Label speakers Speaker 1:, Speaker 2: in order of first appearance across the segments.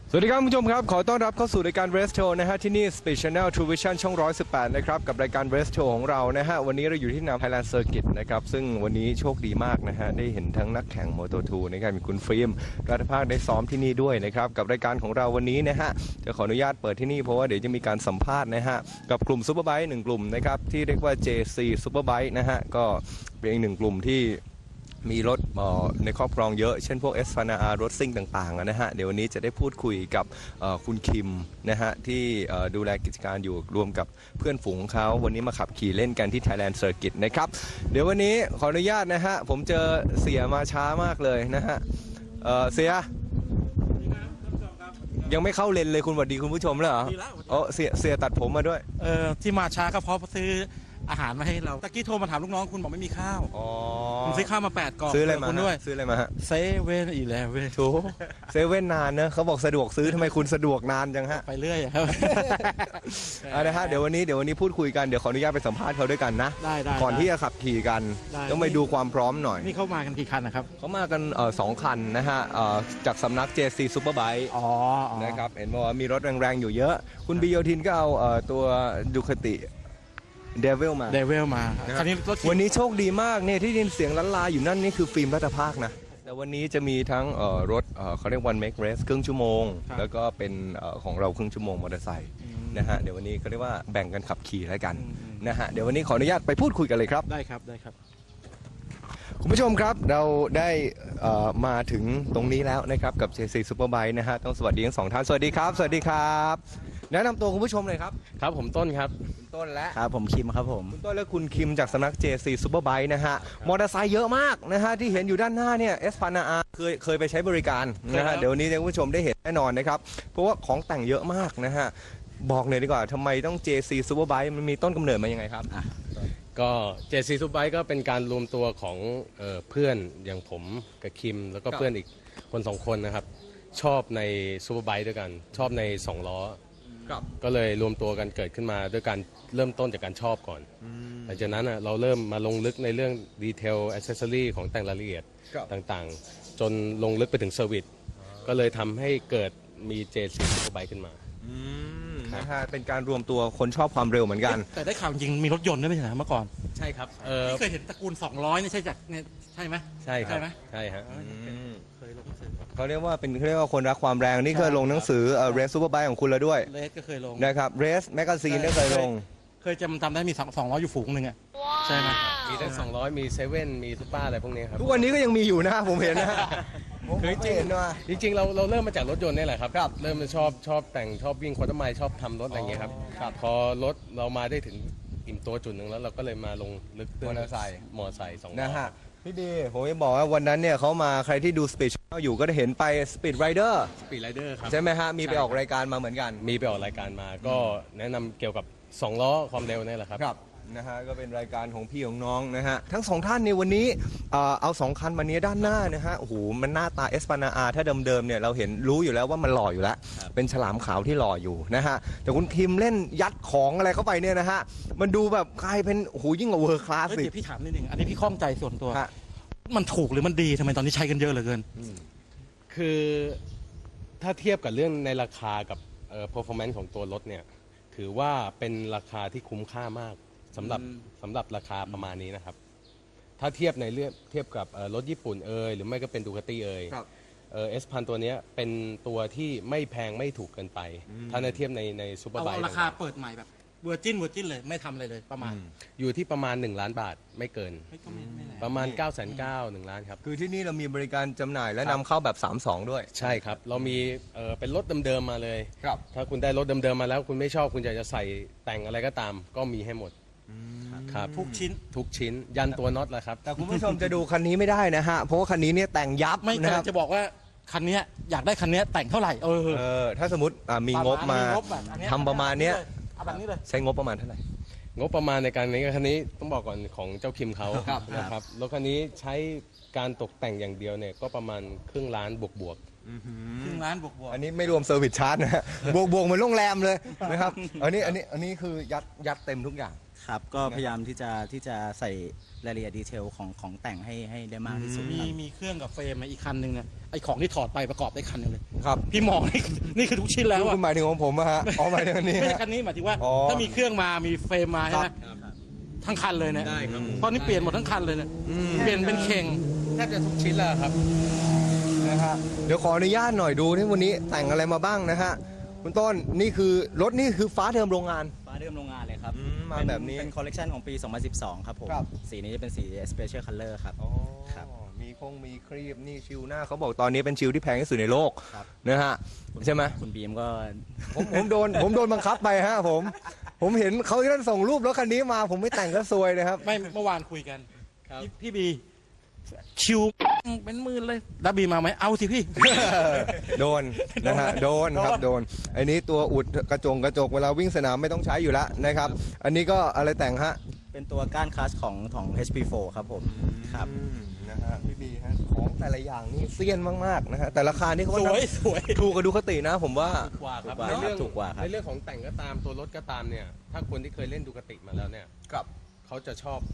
Speaker 1: สวัสดีครับคุณผู้ชมครับขอต้อนรับเข้าสู่รายการ Race Show นะฮะที่นี่ Speed Channel True Vision ช่อง118นะครับกับรายการ Race Show ของเรานะฮะวันนี้เราอยู่ที่นาม Thailand Circuit นะครับซึ่งวันนี้โชคดีมากนะฮะได้เห็นทั้งนักแข่ง Moto2 นะครับมีคุณฟิล์มรัฐภาคได้ซ้อมที่นี่ด้วยนะครับกับรายการของเราวันนี้นะฮะจะขออนุญาตเปิดที่นี่เพราะว่าเดี๋ยวจะมีการสัมภาษณ์นะฮะกับกลุ่ม Superbike 1 กลุ่มนะครับที่เรียกว่า JC Superbike นะฮะก็เป็นอีกหนึ่งกลุ่มที่มีรถในครอบครองเยอะเช่นพวก Espana รถซิ่งต่างๆนะฮะเดี๋ยววันนี้จะได้พูดคุยกับคุณคิมนะฮะที่ดูแลกิจการอยู่รวมกับเพื่อนฝูงของเขาวันนี้มาขับขี่เล่นกันที่ Thailand Circuit นะครับเดี๋ยววันนี้ขออนุญาตนะฮะผมเจอเสียมาช้ามากเลยนะฮะเสียยังไม่เข้าเลนเลยคุณสวัสดีคุณผู้ชมเลยเหรอเสียตัดผมมาด้วย
Speaker 2: ที่มาช้าก็เพราะซื้ออาหารมาให้เราตะกี้โทรมาถามลูกน้องคุณบอกไม่มีข้าวผมซื้อข้าวมา8 กล่อง
Speaker 1: ซื้ออะไรมา
Speaker 2: คุณด้วย
Speaker 1: ซื้ออะไรมาฮะ
Speaker 2: 7-11
Speaker 1: โถเซเว่นนานนะเขาบอกสะดวกซื้อทำไมคุณสะดวกนานจังฮะ
Speaker 2: ไปเรื่อยครับ
Speaker 1: นะฮะเดี๋ยววันนี้พูดคุยกันเดี๋ยวขออนุญาตไปสัมภาษณ์เขาด้วยกันนะ
Speaker 2: ได้
Speaker 1: ก่อนที่จะขับขี่กันต้องไปดูความพร้อมหน่อย
Speaker 2: นี่เข้ามากันกี่คันนะครับ
Speaker 1: เขามากัน2 คันนะฮะจากสำนัก JC Superbike นะครับเห็นว่ามีรถแรงๆอยู่เยอะคุณบิโยทินก็เอาตัวดูคติเดวิลมาคันนี้วันนี้โชคดีมากเนี่ยที่ยินเสียงล้านลาอยู่นั่นนี่คือฟิล์มรัฐภาคนะแต่วันนี้จะมีทั้งรถเขาเรียกone make race ครึ่งชั่วโมงแล้วก็เป็นของเราครึ่งชั่วโมงมอเตอร์ไซค์นะฮะเดี๋ยววันนี้เขาเรียกว่าแบ่งกันขับขี่แล้วกันนะฮะเดี๋ยววันนี้ขออนุญาตไปพูดคุยกันเลยครับ
Speaker 2: ได้ครับ
Speaker 1: คุณผู้ชมครับเราได้มาถึงตรงนี้แล้วนะครับกับ JC Superbike นะฮะต้องสวัสดีทั้ง2 ท่านสวัสดีครับแนะนำตัวคุณผู้ชมเลยครับ
Speaker 3: ครับผมต้นครับ
Speaker 1: คุณต้นและ
Speaker 2: ครับผมคิมครับผม
Speaker 1: คุณต้นและคุณคิมจากสำนัก JC Superbike นะฮะมอเตอร์ไซค์เยอะมากนะฮะที่เห็นอยู่ด้านหน้าเนี่ย Espana เคยไปใช้บริการนะฮะเดี๋ยวนี้คุณผู้ชมได้เห็นแน่นอนนะครับเพราะว่าของแต่งเยอะมากนะฮะบอกเลยดีกว่าทำไมต้อง JC Superbike มันมีต้นกำเนิดมายังไงครับ
Speaker 3: ก็ JC Superbike ก็เป็นการรวมตัวของเพื่อนอย่างผมกับคิมแล้วก็เพื่อนอีกคน2 คนนะครับชอบใน Superbike ด้วยกันชอบใน2 ล้อก็เลยรวมตัวกันเกิดขึ้นมาด้วยการเริ่มต้นจากการชอบก่อนหลังจากนั้นเราเริ่มมาลงลึกในเรื่องดีเทลแอคเซสซอรี่ของแต่งรายละเอียดต่างๆจนลงลึกไปถึงเซอร์วิสก็เลยทำให้เกิดมี JC Superbike ขึ้นมา
Speaker 1: นะฮะเป็นการรวมตัวคนชอบความเร็วเหมือนกัน
Speaker 2: แต่ได้ข่าวจริงมีรถยนต์ด้วยไม่ใช่เหรอเมื่อก่อน
Speaker 3: ใช่ครับ
Speaker 2: เคยเห็นตระกูล200นี่ใช่จากเนี่ยใช่ไหม
Speaker 3: ใช่ครับใช่ฮะ
Speaker 1: เขาเรียกว่าคนรักความแรงนี่เคยลงหนังสือRace Superbike ของคุณแล้วด้วย
Speaker 2: เรสก็เคยลง
Speaker 1: นะครับ Race Magazine ก็เคยลง
Speaker 2: เคยจำได้มี200อยู่ฝูงหนึ่งอ่ะใช่ไหม
Speaker 3: มีทั้ง200มี7มีซุปเปอร์อะไรพวกนี้ครับ
Speaker 1: ทุกวันนี้ก็ยังมีอยู่นะผมเห็นนะ
Speaker 3: คือจริงเราเริ่มมาจากรถยนต์นี่แหละครับเริ่มชอบแต่งชอบวิ่งควอเตอร์ไมล์ชอบทำรถอะไรเงี้ยครับพอรถเรามาได้ถึงอิ่มตัวจุดหนึ่งแล้วเราก็เลยมาลงลึก
Speaker 1: มอเตอร์ไซค์
Speaker 3: 2 ล้อ
Speaker 1: นะฮะพี่ดีผมจะบอกว่าวันนั้นเนี่ยเขามาใครที่ดู Speed Channel อยู่ก็ได้เห็นไป Speed Rider
Speaker 3: ครับ
Speaker 1: ใช่ไหมฮะมีไปออกรายการมาเหมือนกัน
Speaker 3: มีไปออกรายการมาก็แนะนำเกี่ยวกับ2 ล้อความเร็วนี่แหละครับ
Speaker 1: นะฮะก็เป็นรายการของพี่ของน้องนะฮะทั้ง2 ท่านในวันนี้เอา2 คันมานี้ด้านหน้านะฮะโอ้โหมันหน้าตา Espana ถ้าเดิมๆเนี่ยเราเห็นรู้อยู่แล้วว่ามันหล่ออยู่แล้วเป็นฉลามขาวที่หล่ออยู่นะฮะแต่คุณคิมเล่นยัดของอะไรเข้าไปเนี่ยนะฮะมันดูแบบกลายเป็นโอ้โหยิ่งกว่าเวอร์คลาสสิ
Speaker 2: เดี๋ยวพี่ถามนิดนึงอันนี้พี่ข้องใจส่วนตัวมันถูกหรือมันดีทำไมตอนนี้ใช้กันเยอะเหลือเกิน
Speaker 3: คือถ้าเทียบกับเรื่องในราคากับperformance ของตัวรถเนี่ยถือว่าเป็นราคาที่คุ้มค่ามากสำหรับราคาประมาณนี้นะครับถ้าเทียบกับรถญี่ปุ่นหรือไม่ก็เป็นดูคาตี้S1000ตัวนี้เป็นตัวที่ไม่แพงไม่ถูกเกินไปถ้าเทียบในซูเปอร์ไบค์
Speaker 2: ราคาเปิดใหม่แบบเวอร์จินเลยไม่ทำอะไรเลยประมาณ
Speaker 3: อยู่ที่ประมาณ1 ล้านบาทไม่เกินประมาณ990,000 1 ล้านครับ
Speaker 1: คือที่นี่เรามีบริการจำหน่ายและนำเข้าแบบ32ด้วย
Speaker 3: ใช่ครับเรามีเป็นรถเดิมๆมาเลยถ้าคุณได้รถเดิมๆมาแล้วคุณไม่ชอบคุณอยากจะใส่แต่งอะไรก็ตามก็มีให้หมดครับ
Speaker 2: ทุก
Speaker 3: ชิ้นยันตัวน็อตแหละครับ
Speaker 1: แต่คุณผู้ชมจะดูคันนี้ไม่ได้นะฮะเพราะว่าคันนี้เนี่ยแต่งยับ
Speaker 2: ไม่นะครับจะบอกว่าคันนี้อยากได้คันนี้แต่งเท่าไหร่
Speaker 1: ถ้าสมมติมีงบมาทำประมาณนี้ใช้งบประมาณเท่าไหร่
Speaker 3: งบประมาณในการนี้คันนี้ต้องบอกก่อนของเจ้าคิมเขานะครับรถคันนี้ใช้การตกแต่งอย่างเดียวเนี่ยก็ประมาณครึ่งล้านบวก
Speaker 2: ครึ่งล้านบวก
Speaker 1: อันนี้ไม่รวมเซอร์วิสชาร์จนะฮะบวกเหมือนโรงแรมเลยนะครับอันนี้คือยัดเต็มทุกอย่าง
Speaker 4: ครับก็พยายามที่จะใส่รายละเอียดดีเทลของแต่งให้ได้มากที่สุดครับ
Speaker 2: มีเครื่องกับเฟรมอีกคันหนึ่งเนี่ยไอของที่ถอดไปประกอบได้คันหนึงเลย
Speaker 1: ครับ
Speaker 2: พี่มองนี่คือทุกชิ้นแล้วอะ
Speaker 1: คุณหมายถึงของผมอะฮะอ๋อหมายถึงอันนี้
Speaker 2: ไม่ใช่
Speaker 1: ฮะ
Speaker 2: คันนี้หมายถึงว่า
Speaker 1: อ๋อ
Speaker 2: ถ้ามีเครื่องมามีเฟรมมาใช่ไหม
Speaker 3: ครับ
Speaker 2: ทั้งคันเลยเนี่ย
Speaker 3: ได้ครับ
Speaker 2: เพราะนี่เปลี่ยนหมดทั้งคันเลยเนี่ยเปลี่ยนเป็นเข่ง
Speaker 3: แทบจะทุกชิ้นแล้วครับ
Speaker 1: นะฮะเดี๋ยวขออนุญาตหน่อยดูที่วันนี้แต่งอะไรมาบ้างนะฮะคุณต้นนี่คือรถนี่คือฟ้าเดิมโรงงาน
Speaker 4: ฟ้าเดิมโรงงานเลยครับ
Speaker 1: มาแบบนี้
Speaker 4: เป็นคอลเลกชันของปี 2012 ครับผม
Speaker 1: ครับ
Speaker 4: สีนี้จะเป็นสี Special Color ครับ ครับ
Speaker 1: มีครีบนี่ชิวหน้าเขาบอกตอนนี้เป็นชิวที่แพงที่สุดในโลก
Speaker 4: ครับ
Speaker 1: นะฮะใช่ไหม
Speaker 4: คุณบีมก็
Speaker 1: ผมโดนบังคับไปฮะผมเห็นเขาท่านส่งรูปรถคันนี้มาผมไม่แต่งก็ซวยนะครับ
Speaker 2: ไม่เมื่อวานคุยกัน
Speaker 3: ครับ
Speaker 2: พี่บีคิวเป็นหมื่นเลยดับบีมาไหมเอาสิพี่
Speaker 1: โดนนะฮะโดนครับโดนไอ้นี้ตัวอุดกระจกเวลาวิ่งสนามไม่ต้องใช้อยู่แล้วนะครับ อันนี้ก็อะไรแต่งฮะ
Speaker 4: เป็นตัวก้านคลัสของ HP4 ครับผมครับ
Speaker 1: นะฮะพี่บีฮะของแต่ละอย่างนี่เซียนมากๆนะฮะแต่ราคานี่เขา
Speaker 2: สวยสวย
Speaker 1: ถูกกับดูคตินะผมว่า
Speaker 3: กว่าครับ
Speaker 4: ถูกกว่า
Speaker 3: ในเรื่อง
Speaker 4: ถูกกว่าครับ
Speaker 3: ในเรื่องของแต่งก็ตามตัวรถก็ตามเนี่ย ถ้าคนที่เคยเล่นดูคติมาแล้วเนี่ย
Speaker 1: กับ
Speaker 3: เขาจะชอบ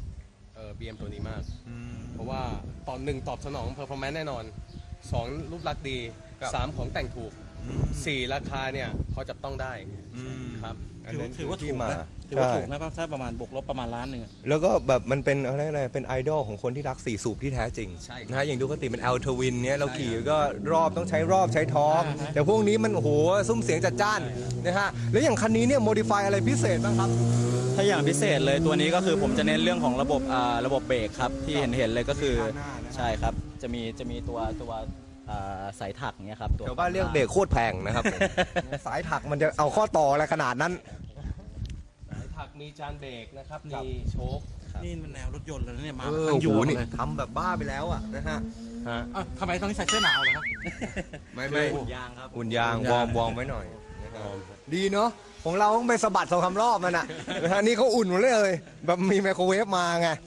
Speaker 3: BM ตัวนี้มาก เพราะว่าตอนหนึ่งตอบสนอง performance แน่นอนสองรูปลักษณ์ดี
Speaker 1: ครับ
Speaker 3: สามของแต่งถูกสี่ราคาเนี่ยพอจับต้องได้ครับ
Speaker 1: อันนั้น
Speaker 2: ถือว่า
Speaker 1: ที่
Speaker 2: ถูก
Speaker 1: มา
Speaker 2: นะถือว่า
Speaker 1: ใช่
Speaker 2: ถูกนะถ้าประมาณบวกลบประมาณล้านหนึ่งอะ
Speaker 1: แล้วก็แบบมันเป็นอะไรเป็นไอดอลของคนที่รักสี่สูบที่แท้จริง
Speaker 3: ใช่ครับ
Speaker 1: นะฮะอย่างดูคติเป็น L Twin เนี่ยเราขี่ก็รอบต้องใช้รอบใช้ทอร์กแต่พวกนี้มันโอ้โหซุ้มเสียงจัดจ้านนะฮะแล้วอย่างคันนี้เนี่ยโมดิฟายอะไรพิเศษบ้างครับ
Speaker 4: ถ้าอย่างพิเศษเลยตัวนี้ก็คือผมจะเน้นเรื่องของระบบเบรกครับที่เห็นเลยก็คือ
Speaker 1: ข้างหน้านะ
Speaker 4: ใช่ครับจะมีตัวสายถักเนี้ยครับตัว
Speaker 1: เดี๋ยวบ้านเรียกเบรกโคตรแพงนะครับ สายถักมันจะเอาข้อต่ออะไรขนาดนั้น
Speaker 3: สายถักมีจานเบรกนะครับ
Speaker 1: ครับ
Speaker 3: มีโชค
Speaker 2: นี่มันแนวรถยนต์เลยนะเนี่ยมา
Speaker 1: เออ
Speaker 2: ทั้ง
Speaker 1: โอ้
Speaker 2: ยู
Speaker 1: โห
Speaker 2: หมด
Speaker 1: นี่
Speaker 2: เลย
Speaker 1: ทำแบบบ้าไปแล้วอ่ะนะฮะ
Speaker 3: ฮะ
Speaker 2: อ่ะทำไมตอนนี้ใส่เสื้อหนาวเหรอครับ
Speaker 1: ไม่
Speaker 4: อุ่นยางครับ
Speaker 1: อุ่นยาง
Speaker 2: อุ่นยาง
Speaker 1: วอร์มไว้หน่อยนะครับดีเนาะของเราต้องไปสะบัด2-3 รอบมันอ่ะนะฮะนี่เขาอุ่นหมดเลยแบบมีไมโครเวฟมาไง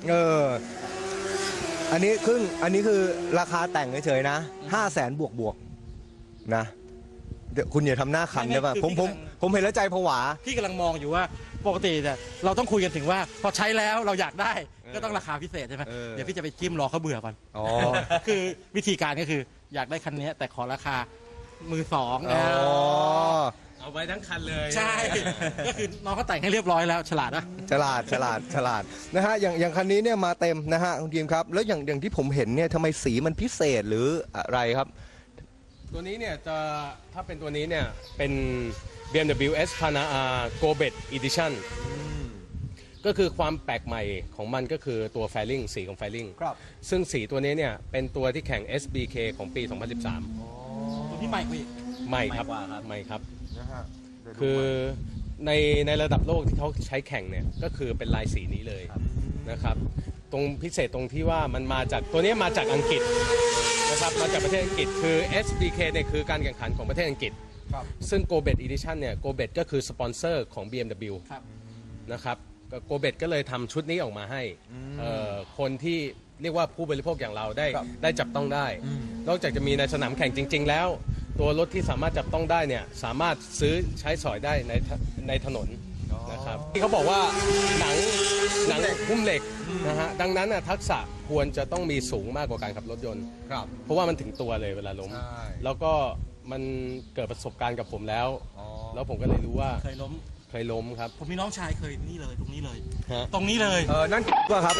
Speaker 1: อันนี้คือราคาแต่งเฉยๆนะ500,000บวกนะเดี๋ยวคุณอย่าทำหน้าขันได้ป่ะผมเห็นแล้วใจผวา
Speaker 2: พี่กำลังมองอยู่ว่าปกติเนี่ยเราต้องคุยกันถึงว่าพอใช้แล้วเราอยากได้ก็ต้องราคาพิเศษใช่ไหม
Speaker 1: เออ
Speaker 2: เดี๋ยวพี่จะไปจิ้มรอเขาเบื่อก่อน
Speaker 1: อ๋อ
Speaker 2: คือวิธีการก็คืออยากได้คันนี้แต่ขอราคามือสอง
Speaker 1: อ๋อ
Speaker 3: เอาไว้ทั้งคันเลย
Speaker 2: ใช่ ก็คือน้องเขาแต่งให้เรียบร้อยแล้วฉลาดนะ
Speaker 1: ฉลาดนะฮะอย่างคันนี้เนี่ยมาเต็มนะฮะคุณทีมครับ แล้วอย่างที่ผมเห็นเนี่ยทำไมสีมันพิเศษหรืออะไรครับ
Speaker 3: ตัวนี้เนี่ยจะถ้าเป็นตัวนี้เนี่ยเป็น BMW S Pana R Go Bet Edition ก็คือความแปลกใหม่ของมันก็คือตัวแฟลิงสีของแฟลิง
Speaker 1: ครับ
Speaker 3: ซึ่งสีตัวนี้เนี่ยเป็นตัวที่แข่ง SBK ของปี 2013
Speaker 2: ตัวนี้ใหม่กว่าอีก
Speaker 3: ใหม่ครับ
Speaker 4: ใหม่กว่าครับ
Speaker 3: ใหม่ครับ
Speaker 1: นะฮะ
Speaker 3: คือในระดับโลกที่เขาใช้แข่งเนี่ยก็คือเป็นลายสีนี้เลยนะครับ ตรงพิเศษตรงที่ว่ามันมาจากตัวนี้มาจากอังกฤษนะครับมาจากประเทศอังกฤษคือ SBK เนี่ยคือการแข่งขันของประเทศอังกฤษ
Speaker 1: ครับ
Speaker 3: ซึ่ง Go Bet Edition เนี่ย Go Bet ก็คือสปอนเซอร์ของ BMW
Speaker 2: ครับ
Speaker 3: นะครับโกเบตก็เลยทำชุดนี้ออกมาให้คนที่เรียกว่าผู้บริโภคอย่างเราได้จับต้องได้ นอกจากจะมีในสนามแข่งจริง ๆ แล้ว ตัวรถที่สามารถจับต้องได้เนี่ยสามารถซื้อใช้สอยได้ในถนนนะครับที่เขาบอกว่าหนังหุ้มเหล็กนะฮะดังนั้นน่ะทักษะควรจะต้องมีสูงมากกว่าการขับรถยนต์
Speaker 1: ครับ
Speaker 3: เพราะว่ามันถึงตัวเลยเวลาล้ม
Speaker 1: ใช่
Speaker 3: แล้วก็มันเกิดประสบการณ์กับผมแล้ว
Speaker 1: อ๋อ
Speaker 3: แล้วผมก็เลยรู้ว่า
Speaker 2: เคยล้ม
Speaker 3: เคยล้มครับ
Speaker 2: ผมมีน้องชายเคยนี่เลยตรงนี้เลย
Speaker 3: ฮะ
Speaker 2: ตรงนี้เลย
Speaker 1: นั่นก็ครับ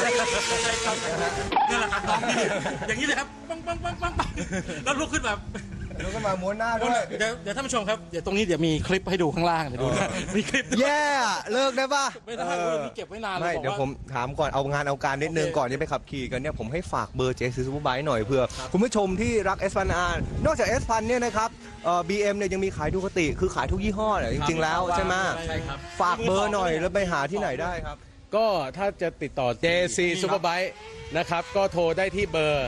Speaker 2: นี่แหละครับน้องพี่อย่างนี้เลยครับปังปังปังปังปังแล้วลุกขึ้นแบบ
Speaker 1: แล้วก็มาม้วนหน้าด้วย
Speaker 2: เดี๋ยวท่านผู้ชมครับเดี๋ยวตรงนี้เดี๋ยวมีคลิปให้ดูข้างล่างเดี๋ยวดูนะมีคลิปด้วย
Speaker 1: แย่อะเลิกได้ป่ะ
Speaker 2: ไม่ได้เว้ยนี่เก็บไว้นานเลย
Speaker 1: ไม่
Speaker 2: บอก
Speaker 1: เดี๋ยว
Speaker 2: ว่า
Speaker 1: ผมถามก่อนเอางานเอาการนิดนึง
Speaker 2: โอเค
Speaker 1: ก่อนที่ไปขับขี่กันเนี่ยผมให้ฝากเบอร์เจซูซูไบค์หน่อยเพื่อคุณผู้ชมที่รัก S1000R นอกจาก S1000 เนี่ยนะครับBM เนี่ยยังมีขายดูคติคือขายทุกยี่ห้อแหละจริงๆแล้วใช่ไหม
Speaker 3: ใช่ครับ
Speaker 1: ฝากเบอร์หน่อยแล้วไปหาที่ไหนได้ครับ
Speaker 3: ก็ถ้าจะติดต่อ JC Superbike นะครับ ก็โทรได้ที่เบอร์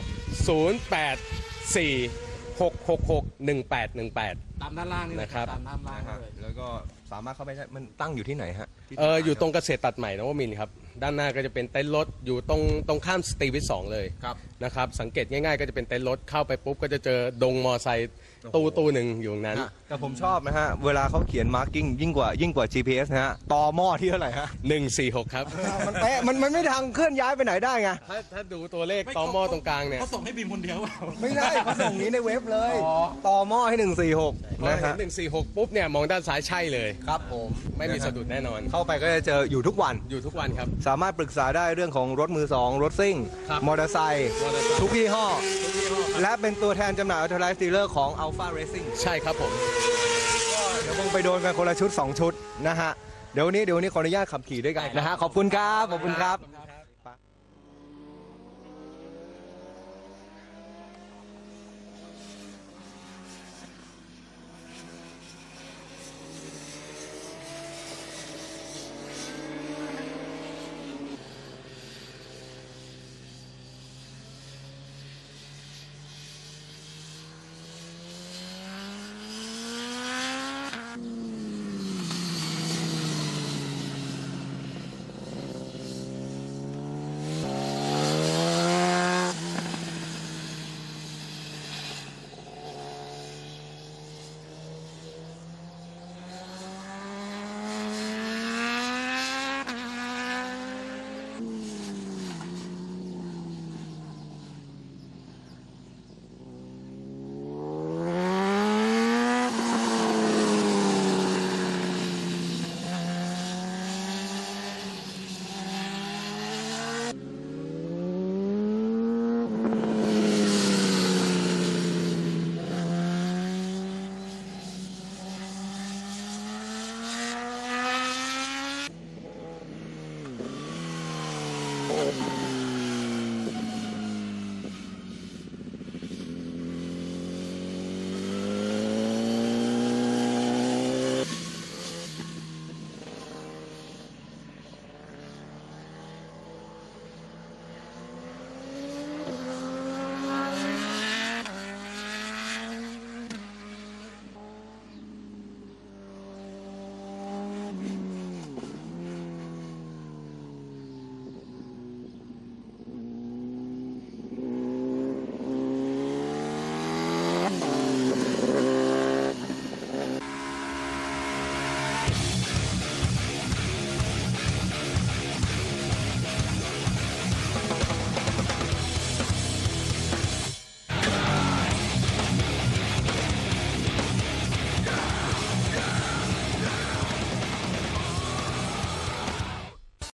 Speaker 3: 0846661818
Speaker 2: ตามด้านล่างนี่นะ
Speaker 3: นะครับ
Speaker 2: ตามด้านล่างเลย
Speaker 1: แล้วก็สามารถเข้าไปได้มันตั้งอยู่ที่ไหนฮะ
Speaker 3: อยู่ตรงเกษตรตัดใหม่นวมินทร์ครับด้านหน้าก็จะเป็นเต็นท์รถอยู่ตรงข้ามสตรีวิท2เลย
Speaker 1: ครับ
Speaker 3: นะครับสังเกตง่ายๆก็จะเป็นเต็นท์รถเข้าไปปุ๊บก็จะเจอดงมอไซค์ตู้หนึ่งอยู่ตรงนั้น
Speaker 1: แต่ผมชอบนะฮะเวลาเขาเขียนมาร์กิ้งยิ่งกว่า GPS นะฮะต่อหม้อที่เท่าไหร่ฮะ
Speaker 3: 146 ครับ
Speaker 1: มันเป๊ะมันไม่ทางเคลื่อนย้ายไปไหนได้ไง
Speaker 3: ถ้าดูตัวเลขต่อหม้อตรงกลางเนี่ย
Speaker 2: เขาส่งให้บีมคนเดียวเปล่า
Speaker 1: ไม่ได้เขาส่งนี้ในเว็บเลยต่อหม้อให้ 146
Speaker 3: พอ
Speaker 1: นะ
Speaker 3: เห็
Speaker 1: ฮะ
Speaker 3: น146 ปุ๊บเนี่ยมองด้านซ้ายใช่เลย
Speaker 1: ครับผม
Speaker 3: ไม่มีสะดุดแน่นอน
Speaker 1: เข้าไปก็จะเจออยู่ทุกวัน
Speaker 3: อยู่ทุกวันครับ
Speaker 1: สามารถปรึกษาได้เรื่องของรถมือสองรถซิ่ง
Speaker 3: ครับ
Speaker 1: มอเตอร์ไซค์
Speaker 3: มอเตอร์ไซค์
Speaker 1: ทุกยี่ห้อ และเป็นตัวแทนจำหน่ายออโตไลฟ์ดีลเลอร์ของ Alpha Racing
Speaker 3: ใช่ครับผม
Speaker 1: เดี๋ยวคงไปโดนกันคนละชุด 2 ชุดนะฮะ เดี๋ยววันนี้ขออนุญาตขับขี่ด้วยกันนะฮะ ขอบคุณครับ ขอบคุณครับ